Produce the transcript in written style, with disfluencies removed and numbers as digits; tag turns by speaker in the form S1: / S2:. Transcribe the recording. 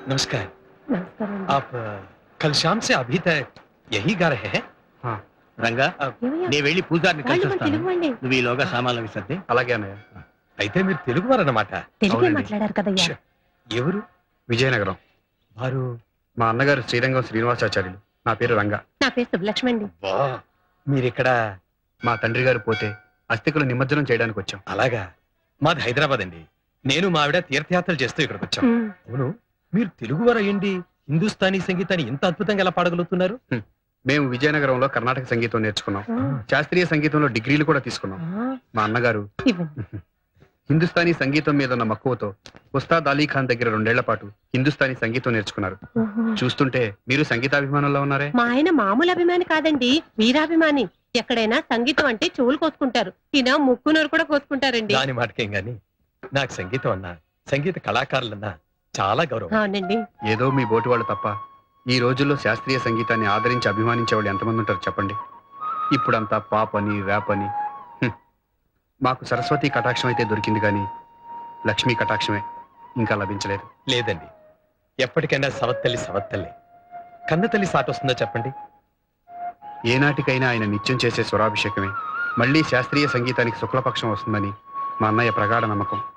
S1: नमस्कार।
S2: నమస్కారం అండి.
S1: आप कल शाम से अभी तक यही गा रहे हैं?
S3: हाँ।
S4: రంగా
S2: ఏమయ్యా?
S4: నేను వెళ్ళి పూజారిని
S2: వాళ్ళు
S4: కలిసి
S2: మన
S4: వస్తాను
S2: తెలుగు వాళ్ళే.
S4: నువ్వు ఈలోగా సామాన్లు విసర్ది
S3: అలాగే అన్నయ్య.
S1: అయితే మీరు తెలుగువారన్నమాట.
S2: తెలుగే
S3: అవునండి.
S2: మాట్లాడారు కదయ్యా.
S1: ఛ, ఎవరు
S3: విజయనగరం.
S1: వారు?
S3: మా అన్నగారు శ్రీరంగం శ్రీనివాసాచార్యులు. నా పేరు రంగా.
S2: నా పేరు శుభలక్ష్మి అండి.
S1: వా, మీరిక్కడ
S3: మా తండ్రి గారు పోతే అస్థికులు నిమజ్జనం చేయడానికి వచ్చాం.
S1: అలాగా. మాది హైదరాబాద్ అండి. నేను మా ఆవిడ తీర్థయాత్రలు చేస్తూ ఇక్కడికి వచ్చాం.
S2: ఉమ్,
S1: అవును, మీరు తెలుగువారు అయ్యండి హిందుస్థానీ సంగీతాన్ని ఇంత అద్భుతంగా ఎలా పాడగలుగుతున్నారు?
S3: మేము విజయనగరంలో కర్ణాటక సంగీతం నేర్చుకున్నాం.
S2: ఆ,
S3: శాస్త్రీయ సంగీతంలో డిగ్రీలు కూడా తీసుకున్నాం.
S2: ఆ,
S3: మా అన్నగారు
S2: ఇవ్వండి.
S3: హిందుస్థానీ సంగీతం మీద ఉన్న మక్కువతో ఉస్తాద్ అలీ ఖాన్ దగ్గర 2 ఏళ్ల పాటు హిందుస్థానీ సంగీతం నేర్చుకున్నారు.
S2: ఓహో.
S3: చూస్తుంటే మీరు సంగీతాభిమానంలో ఉన్నారే.
S2: మా ఆయన మామూలు అభిమాని కాదండి, వీరాభిమాని. ఎక్కడైనా సంగీతం అంటే చెవులు కోసుకుంటారు. ఈయన ముక్కునూరు కూడా కోసుకుంటారండి.
S1: దాని మాటకేం గాని నాకు సంగీతం అన్నా సంగీత కళాకారులన్నా చాలా గౌరవం.
S2: అవునండి.
S3: ఏదో మీ బోటి వాళ్ళు తప్ప ఈ రోజుల్లో శాస్త్రీయ సంగీతాన్ని ఆదరించి అభిమానించే వాళ్ళు ఎంతమంది ఉంటారు చెప్పండి. ఇప్పుడంతా పాప్ అని ర్యాప్ అని. మాకు సరస్వతి కటాక్షం అయితే దొరికింది కానీ లక్ష్మీ కటాక్షమే ఇంకా లభించలేదు.
S1: లేదండి, ఎప్పటికైనా సవత్తల్లి సవత్తల్లి. కన్నతల్లి సాటొస్తుందో చెప్పండి.
S3: ఏనాటికైనా ఆయన నిత్యం చేసే స్వరాభిషేకమే మళ్ళీ శాస్త్రీయ సంగీతానికి శుక్లపక్షం వస్తుందని మా అన్నయ్య ప్రగాఢ నమ్మకం.